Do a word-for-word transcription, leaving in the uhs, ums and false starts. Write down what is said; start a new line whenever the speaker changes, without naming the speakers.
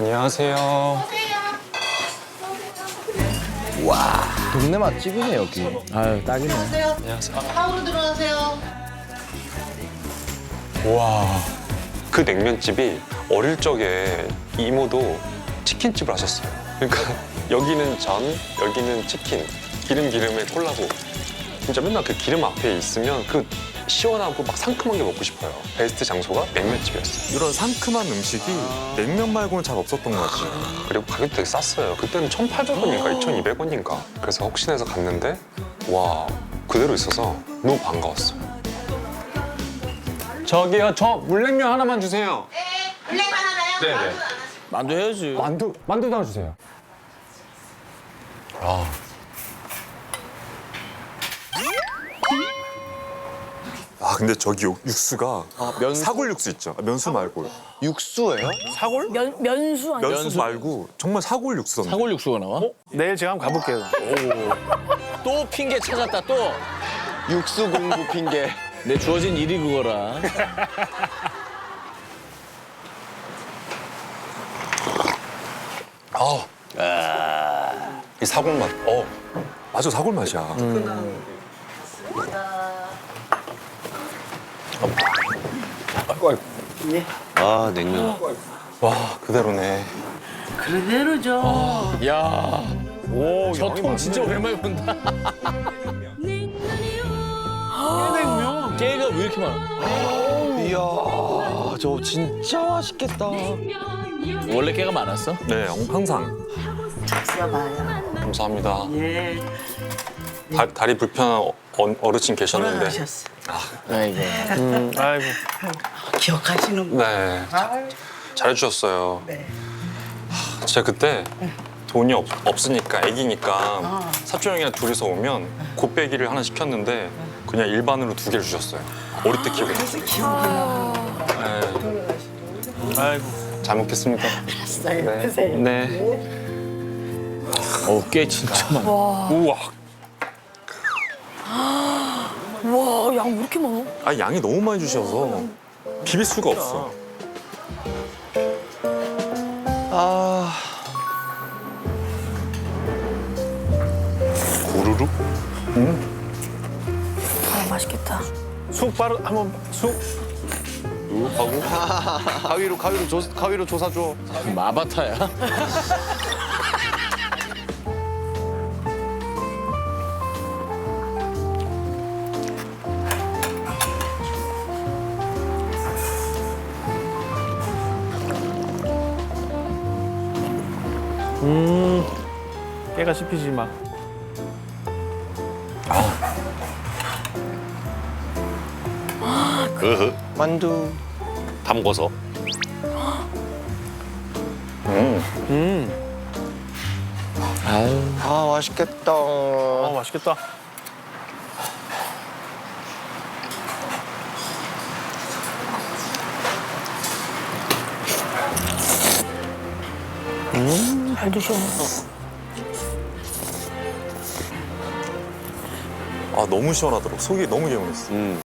안녕하세요.
와, 동네 맛집이네 여기. 아유, 딱이네.
들어오세요.
안녕하세요.
하우로 들어가세요.
와, 그 냉면집이 어릴 적에 이모도 치킨집을 하셨어요. 그러니까 여기는 전, 여기는 치킨, 기름 기름에 콜라보. 진짜 맨날 그 기름 앞에 있으면 그 시원하고 막 상큼한 게 먹고 싶어요. 베스트 장소가 냉면집이었어요.
이런 상큼한 음식이 냉면 말고는 잘 없었던 것 같아요.
그리고 가격도 되게 쌌어요. 그때는 천팔백 원인가 이천이백 원인가. 그래서 혹시나 해서 갔는데 와, 그대로 있어서 너무 반가웠어요. 저기요, 저 물냉면 하나만 주세요.
네, 블랙만 하나요?
네네.
만두 안 하시고.
만두 해야지.
만두, 만두도 하나 주세요. 아.
아 근데 저기 육- 육수가
면
사골 육수 있죠? 아, 면수 말고
육수예요?
사골?
면, 면수 아니야?
면수 말고 정말 사골 육수던데.
사골 육수가 나와?
내일 제가 한번 가볼게요.
또 핑계 찾았다 또. 육수 공부 핑계. 내 주어진 일이 그거라.
아. 이 사골 맛. 어.
맞아, 사골 맛이야.
아이고, 아이고.
아, 냉면.
와, 그대로네.
그대로죠.
야,
오,
저 통 진짜 오랜만에 본다.
냉면.
깨가 왜 이렇게 많아?
이야, 저 진짜 맛있겠다.
원래 깨가 많았어?
네, 항상.
쓰여봐요.
감사합니다.
예.
다, 다리 불편한 어, 어르신 계셨는데.
돌아가셨어.
아이고.
음, 아이고.
기억하시는 분.
네.
아유,
잘해주셨어요.
네.
진짜 그때 돈이 없, 없으니까 애기니까
아.
사촌 형이랑 둘이서 오면 곱빼기를 하나 시켰는데 그냥 일반으로 두 개를 주셨어요. 어릴 때 기억이 나요.
그래서 기억이 나고.
네.
아이고.
잘 먹겠습니다.
알았어요.
네.
드세요.
네.
어, 깨 진짜 많아.
우와.
와, 양 왜 이렇게 많아?
아 양이 너무 많이 주셔서 비빌 수가 없어.
아,
고루룩?
아, 맛있겠다.
쑥 바로 한번 쑥.
가위로 가위로 조 가위로 조사 줘.
마바타야?
음, 깨가 씹히지 마.
만두.
담궈서.
음,
아유.
아, 맛있겠다.
어 맛있겠다.
잘 드셔.
아 너무 시원하더라고. 속이 너무 개운했어.